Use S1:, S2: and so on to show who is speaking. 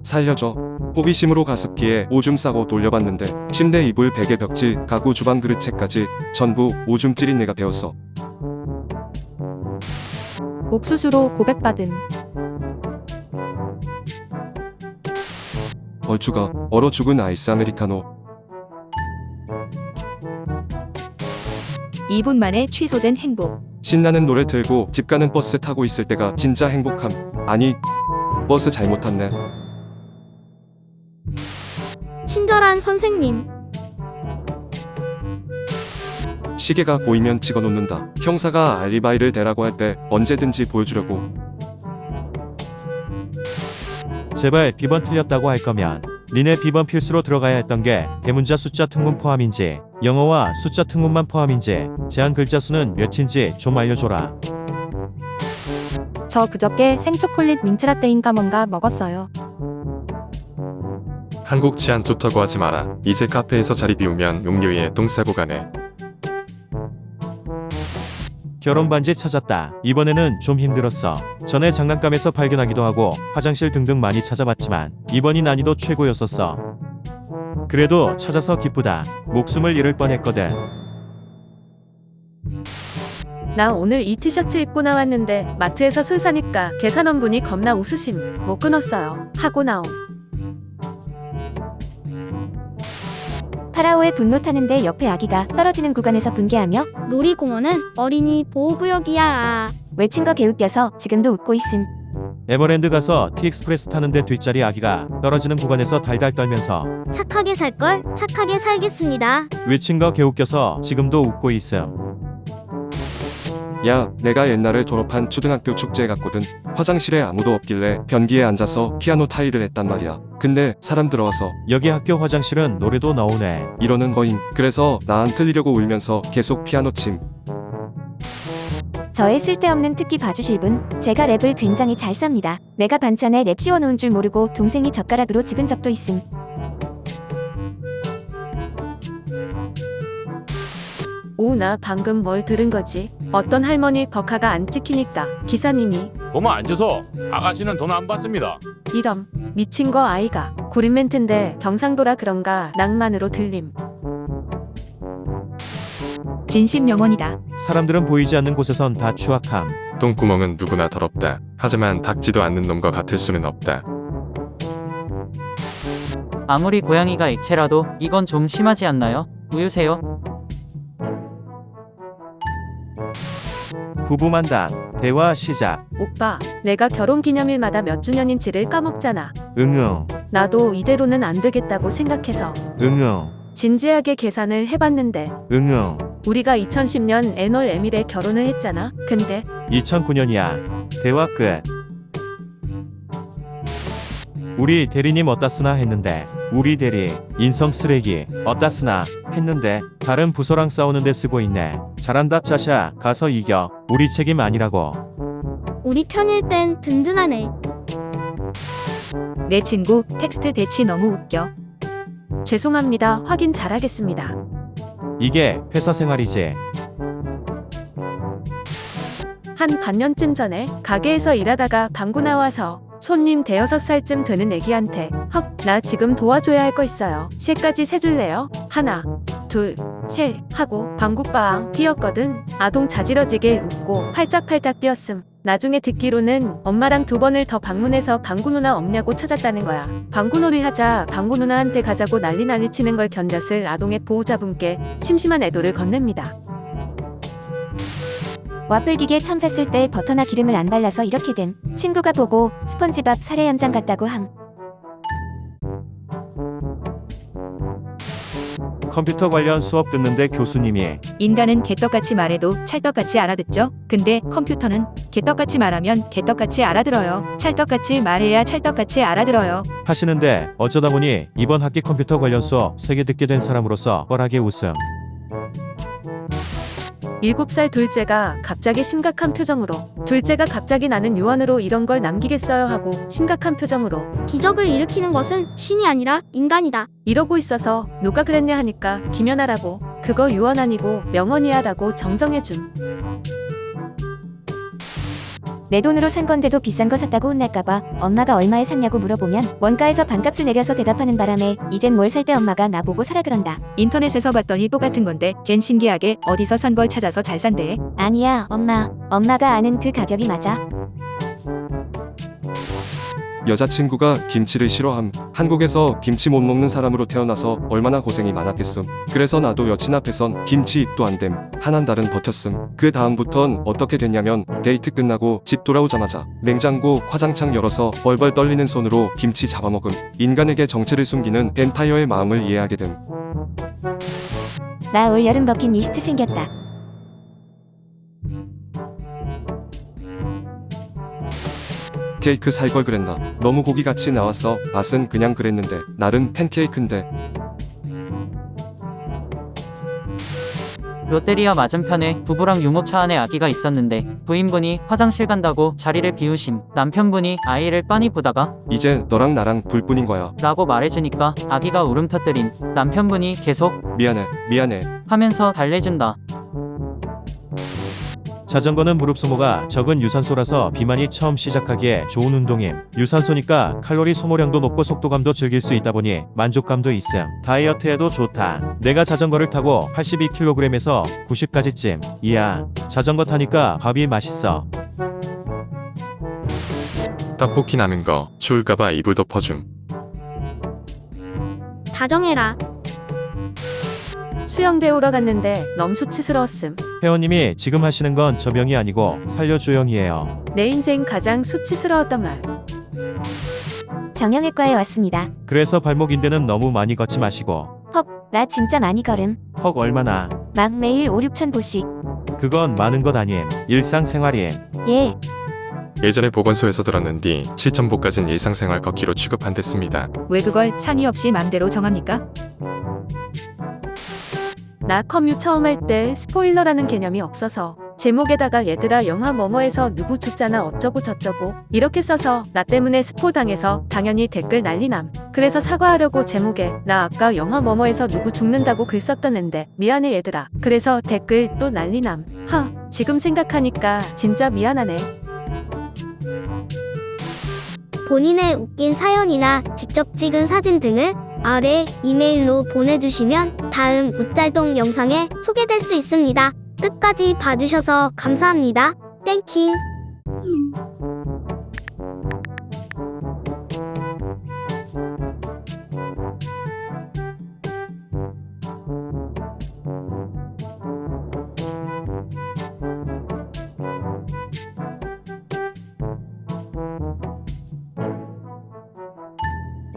S1: 살려줘. 호기심으로 가습기에 오줌 싸고 돌려봤는데 침대 이불 베개 벽지 가구 주방 그릇채까지 전부 오줌 찌린 내가 배웠어.
S2: 옥수수로 고백받음.
S1: 얼추가 얼어 죽은 아이스 아메리카노.
S3: 2분 만에 취소된 행복.
S1: 신나는 노래 틀고 집 가는 버스 타고 있을 때가 진짜 행복함. 아니, 버스 잘못 탔네.
S4: 친절한 선생님.
S1: 시계가 보이면 찍어놓는다. 형사가 알리바이를 대라고 할 때 언제든지 보여주려고.
S5: 제발 비번 틀렸다고 할 거면 니네 비번 필수로 들어가야 했던 게 대문자 숫자 특문 포함인지 영어와 숫자 특문만 포함인지 제한 글자 수는 몇인지 좀 알려줘라.
S2: 저 그저께 생초콜릿 민트라떼인가 뭔가 먹었어요.
S6: 한국 치안 좋다고 하지 마라. 이제 카페에서 자리 비우면 용료에 똥 싸고 가네.
S5: 결혼 반지 찾았다. 이번에는 좀 힘들었어. 전에 장난감에서 발견하기도 하고 화장실 등등 많이 찾아봤지만 이번이 난이도 최고였었어. 그래도 찾아서 기쁘다. 목숨을 잃을 뻔했거든.
S7: 나 오늘 이 티셔츠 입고 나왔는데 마트에서 술 사니까 계산원분이 겁나 웃으심. 못 끊었어요. 하고 나옴.
S3: 파라오의 분노 타는데 옆에 아기가 떨어지는 구간에서 분개하며
S4: 놀이공원은 어린이 보호구역이야.
S3: 외친 거 개웃겨서 지금도 웃고 있음.
S5: 에버랜드 가서 티익스프레스 타는데 뒷자리 아기가 떨어지는 구간에서 달달 떨면서
S4: 착하게 살걸? 착하게 살겠습니다.
S5: 외친 거 개웃겨서 지금도 웃고 있음.
S1: 야, 내가 옛날에 졸업한 초등학교 축제에 갔거든. 화장실에 아무도 없길래 변기에 앉아서 피아노 타일을 했단 말이야. 근데 사람 들어와서
S5: 여기 학교 화장실은 노래도 나오네.
S1: 이러는 거임. 그래서 나 안 틀리려고 울면서 계속 피아노 침.
S3: 저의 쓸데없는 특기 봐주실 분, 제가 랩을 굉장히 잘 쌉니다. 내가 반찬에 랩 씌워놓은 줄 모르고 동생이 젓가락으로 집은 적도 있음.
S7: 오, 나 방금 뭘 들은 거지? 어떤 할머니 버카가 안 찍히니까 기사님이
S8: 고마 앉아서 아가씨는 돈 안 받습니다.
S7: 이럼 미친 거 아이가. 구린 멘트인데 경상도라 그런가 낭만으로 들림.
S3: 진심 영원이다.
S5: 사람들은 보이지 않는 곳에선 다 추악함.
S6: 똥구멍은 누구나 더럽다. 하지만 닦지도 않는 놈과 같을 수는 없다.
S9: 아무리 고양이가 액체라도 이건 좀 심하지 않나요? 우유세요.
S5: 부부 만담. 대화 시작.
S7: 오빠, 내가 결혼기념일마다 몇 주년인지를 까먹잖아.
S5: 응응.
S7: 나도 이대로는 안 되겠다고 생각해서
S5: 응응.
S7: 진지하게 계산을 해봤는데
S5: 응응.
S7: 우리가 2010년 애널 에밀에 결혼을 했잖아. 근데
S5: 2009년이야. 대화 끝. 우리 대리님 어따 쓰나 했는데 우리 대리 인성 쓰레기 어따 쓰나 했는데 다른 부서랑 싸우는데 쓰고 있네. 잘한다 짜샤. 가서 이겨. 우리 책임 아니라고.
S4: 우리 편일 땐 든든하네.
S3: 내 친구 텍스트 대치 너무 웃겨.
S7: 죄송합니다. 확인 잘하겠습니다.
S5: 이게 회사 생활이지.
S7: 한 반년쯤 전에 가게에서 일하다가 방구 나와서 손님 대여섯 살쯤 되는 애기한테 헉, 나 지금 도와줘야 할 거 있어요. 셋까지 세줄래요? 하나, 둘, 셋 하고 방구빵 뛰었거든. 아동 자지러지게 웃고 팔짝팔짝 뛰었음. 나중에 듣기로는 엄마랑 2번을 더 방문해서 방구 누나 없냐고 찾았다는 거야. 방구놀이 하자 방구 누나한테 가자고 난리 치는 걸 견뎠을 아동의 보호자분께 심심한 애도를 건넵니다.
S3: 와플 기계 처음 샀을 때 버터나 기름을 안 발라서 이렇게 됨. 친구가 보고 스펀지밥 사례 연장 같다고 함.
S5: 컴퓨터 관련 수업 듣는데 교수님이
S3: 인간은 개떡같이 말해도 찰떡같이 알아듣죠? 근데 컴퓨터는 개떡같이 말하면 개떡같이 알아들어요. 찰떡같이 말해야 찰떡같이 알아들어요.
S5: 하시는데 어쩌다 보니 이번 학기 컴퓨터 관련 수업 3개 듣게 된 사람으로서 뻘하게 웃음.
S7: 7살 둘째가 갑자기 심각한 표정으로 둘째가 갑자기 나는 유언으로 이런 걸 남기겠어요 하고 심각한 표정으로
S4: 기적을 일으키는 것은 신이 아니라 인간이다.
S7: 이러고 있어서 누가 그랬냐 하니까 김연아라고. 그거 유언 아니고 명언이야라고 정정해줌.
S10: 내 돈으로 산 건데도 비싼 거 샀다고 혼날까봐 엄마가 얼마에 샀냐고 물어보면 원가에서 반값을 내려서 대답하는 바람에 이젠 뭘 살 때 엄마가 나보고 사라 그런다.
S3: 인터넷에서 봤더니 똑같은 건데 쟨 신기하게 어디서 산 걸 찾아서 잘 산대.
S10: 아니야, 엄마가 아는 그 가격이 맞아.
S1: 여자친구가 김치를 싫어함. 한국에서 김치 못 먹는 사람으로 태어나서 얼마나 고생이 많았겠음. 그래서 나도 여친 앞에선 김치 입도 안 됨. 한 달은 버텼음. 그 다음부턴 어떻게 됐냐면 데이트 끝나고 집 돌아오자마자 냉장고 화장창 열어서 벌벌 떨리는 손으로 김치 잡아먹음. 인간에게 정체를 숨기는 뱀파이어의 마음을 이해하게 됨.
S10: 나 올 여름 버킷리스트 생겼다.
S1: 케이크 살 걸 그랬나. 너무 고기같이 나왔어. 맛은 그냥 그랬는데 나름 팬케이크인데.
S9: 롯데리아 맞은편에 부부랑 유모차 안에 아기가 있었는데 부인분이 화장실 간다고 자리를 비우심. 남편분이 아이를 빤히 보다가
S1: 이제 너랑 나랑 불뿐인 거야.
S9: 라고 말해주니까 아기가 울음 터뜨린. 남편분이 계속
S1: 미안해.
S9: 하면서 달래준다.
S5: 자전거는 무릎 소모가 적은 유산소라서 비만이 처음 시작하기에 좋은 운동임. 유산소니까 칼로리 소모량도 높고 속도감도 즐길 수 있다 보니 만족감도 있음. 다이어트에도 좋다. 내가 자전거를 타고 82kg에서 90까지쯤. 이야, 자전거 타니까 밥이 맛있어.
S6: 떡볶이 남은 거 추울까봐 이불 덮어줌.
S4: 다정해라.
S7: 수영 배우러 갔는데 너무 수치스러웠음.
S5: 회원님이 지금 하시는 건 저병이 아니고 살려주영이에요.
S7: 내 인생 가장 수치스러웠던 말.
S10: 정형외과에 왔습니다.
S5: 그래서 발목인대는 너무 많이 걷지 마시고.
S10: 나 진짜 많이 걸음.
S5: 헉 얼마나.
S10: 막 매일 5-6천 보씩.
S5: 그건 많은 것 아님. 일상생활임.
S10: 예.
S6: 예전에 보건소에서 들었는디 7,000보까진 일상생활 걷기로 취급한댔습니다.
S3: 왜 그걸 상의 없이 맘대로 정합니까?
S7: 나 컴퓨 처음 할 때 스포일러라는 개념이 없어서 제목에다가 얘들아 영화 뭐뭐에서 누구 죽잖아 어쩌고 저쩌고 이렇게 써서 나 때문에 스포 당해서 당연히 댓글 난리남. 그래서 사과하려고 제목에 나 아까 영화 뭐뭐에서 누구 죽는다고 글 썼던는데 미안해 얘들아. 그래서 댓글 또 난리남. 지금 생각하니까 진짜 미안하네.
S4: 본인의 웃긴 사연이나 직접 찍은 사진 등을 아래 이메일로 보내주시면 다음 웃잘동 영상에 소개될 수 있습니다. 끝까지 봐주셔서 감사합니다. 땡킹.